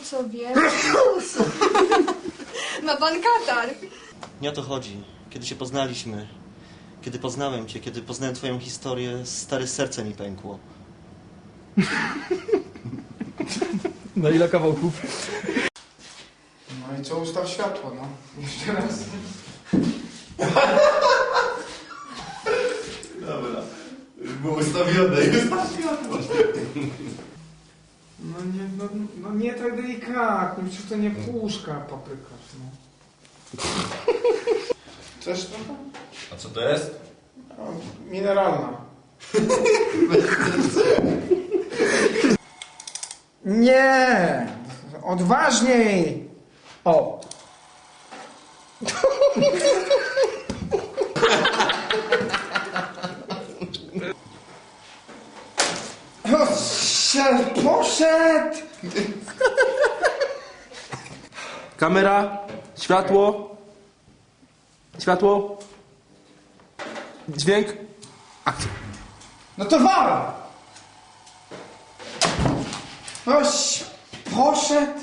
co wie? Ma pan katar. Nie o to chodzi. Kiedy się poznaliśmy, kiedy poznałem cię, kiedy poznałem twoją historię, stare serce mi pękło. Na ile kawałków? No i co, ustaw światło, no. Jeszcze raz. Dobra. Już było ustawione. No nie tak delikatnie, przecież to nie puszka paprykarz, no. Chcesz to? A co to jest? No, mineralna. Nie! Odważniej! O! Poszedł! Kamera, światło, światło, dźwięk, akcja. No to wal! Oś, poszedł!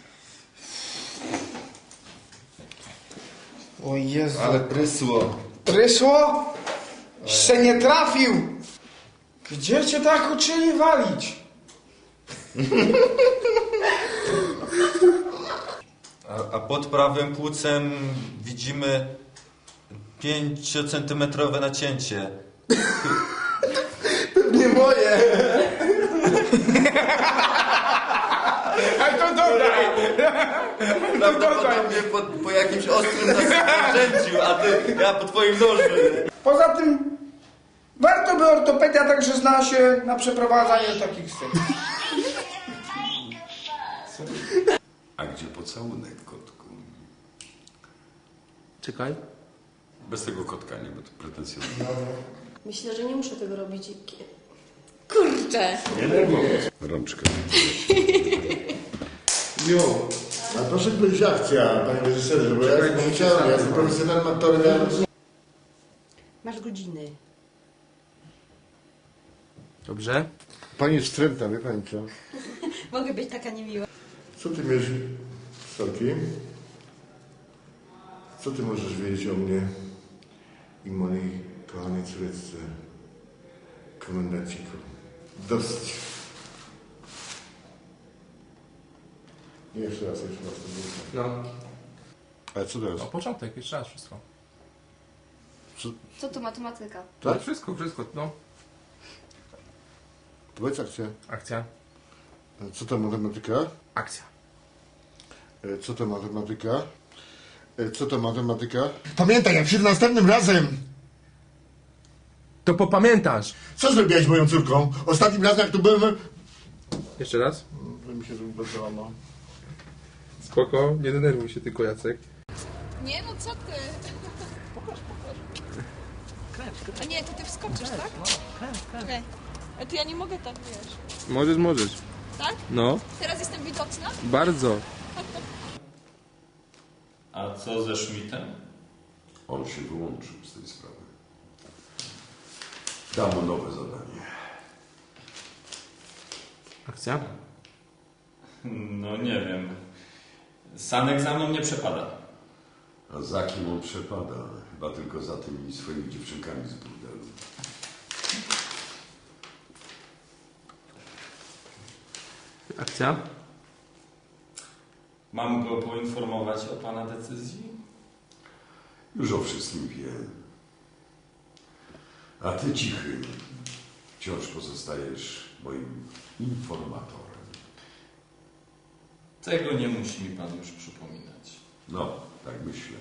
O Jezu. Ale prysło. Prysło? Jeszcze nie trafił! Gdzie cię tak uczyli walić? A pod prawym płucem widzimy 5-centymetrowe nacięcie. Nie moje! Ale to dodaj! Prawdopodobnie po jakimś ostrym narzędziu, a ty, ja po twoim nożu. Poza tym warto by ortopedia także zna się na przeprowadzaniu takich scen. A gdzie pocałunek, kotku? Czekaj. Bez tego kotka, nie, bo to pretensjonalne. Myślę, że nie muszę tego robić. Kurczę! Rączkę. Jo. A proszę powiedzieć akcja, panie reżyserze, bo ja nie chciałem, ja jestem profesjonalnym aktorem. Masz godziny. Dobrze. Pani jest wstrętna, wie pani co? Mogę być taka niemiła. Co ty wiesz, Soki? Co ty możesz wiedzieć o mnie i mojej kochanej córeczce, komendanciku? Dosyć. Nie, jeszcze raz. No. Ale co teraz? No, początek, jeszcze raz wszystko. Co to matematyka? Tak? Wszystko, no. Powiedz akcja. Akcja. Co to matematyka? Akcja. Co to matematyka? Co to matematyka? Pamiętaj, jak przyjdę następnym razem! To popamiętasz. Co zrobiłeś z moją córką? Ostatnim razem, jak tu byłem... Jeszcze raz. To mi się zrobiło, no. Spoko, nie denerwuj się tylko, Jacek. Nie, no co ty? A nie, to ty wskoczysz, tak? Okej. A to ja nie mogę tak, wiesz. Możesz. Tak? No, Teraz jestem widoczna? bardzo. A co ze Schmidtem? On się wyłączył z tej sprawy. Dam mu nowe zadanie. Akcja. No nie wiem. Sanek za mną nie przepada. A za kim on przepada? Chyba tylko za tymi swoimi dziewczynkami z burdelu. Akcja. Mam go poinformować o pana decyzji? Już o wszystkim wie. A ty cichy. Wciąż pozostajesz moim informatorem. Tego nie musi mi pan już przypominać. No, tak myślę.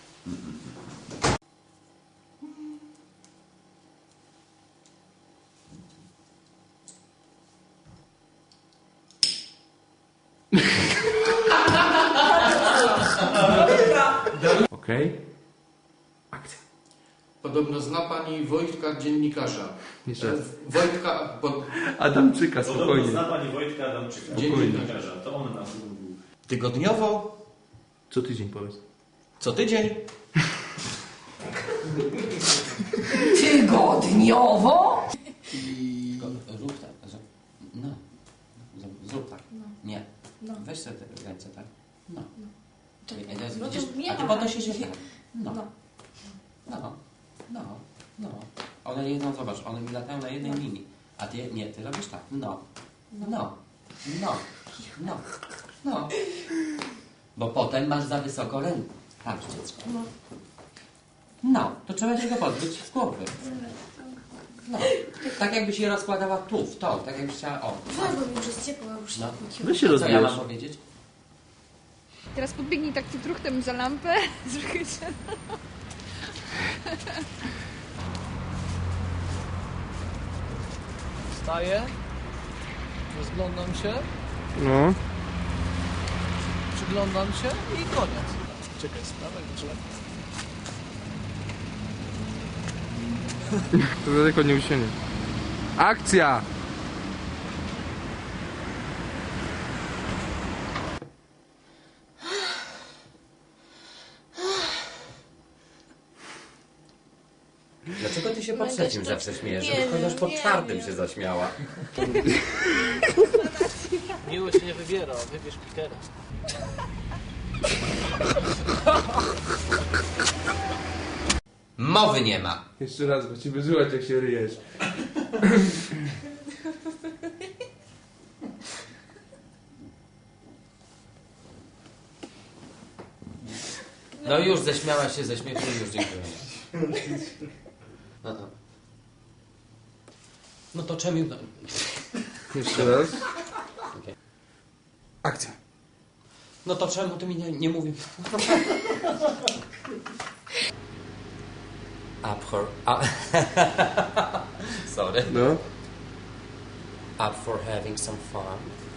Okej. Akcja. Podobno zna pani Wojtka, dziennikarza. Jeszcze raz. Wojtka, Adamczyka, spokojnie. Zna pani Wojtka Adamczyka, dziennikarza. To on nas mówił. Tygodniowo, Co tydzień powiedz. co tydzień. Tygodniowo? Rób tak. No. Zrób tak. Nie. Weź sobie tego. One jedną, zobacz, one mi latają na jednej linii. A ty, nie, ty robisz tak. No. Bo potem masz za wysoko rękę. Patrz, dziecko. No, to trzeba się go pozbyć z głowy. No, tak jakbyś je rozkładała tu, w to, tak jakbyś chciała, o. Weź, bo mi już jest ciepło, już No. Weź się Co ja rozbierz. mam powiedzieć? Teraz podbiegnij tak truchtem za lampę. Wstaję, rozglądam się, No. przyglądam się i koniec. Czekaj, sprawę, trzeba. To daleko nie usięnie. Akcja! Dlaczego ty się po Będę trzecim się- zawsze śmiejesz? Nie Żeby chociaż po wiem, czwartym nie się zaśmiała. Miło się nie wybiera, wybierz Petera. Mowy nie ma. Jeszcze raz, bo ci wyżywać jak się ryjesz. No już ześmiałaś się ze śmiechu i już dziękuję. No to czemu... No. Jeszcze raz. Okay. Akcja. No to czemu ty mi nie mówisz? Up for... Sorry. No. Up for having some fun.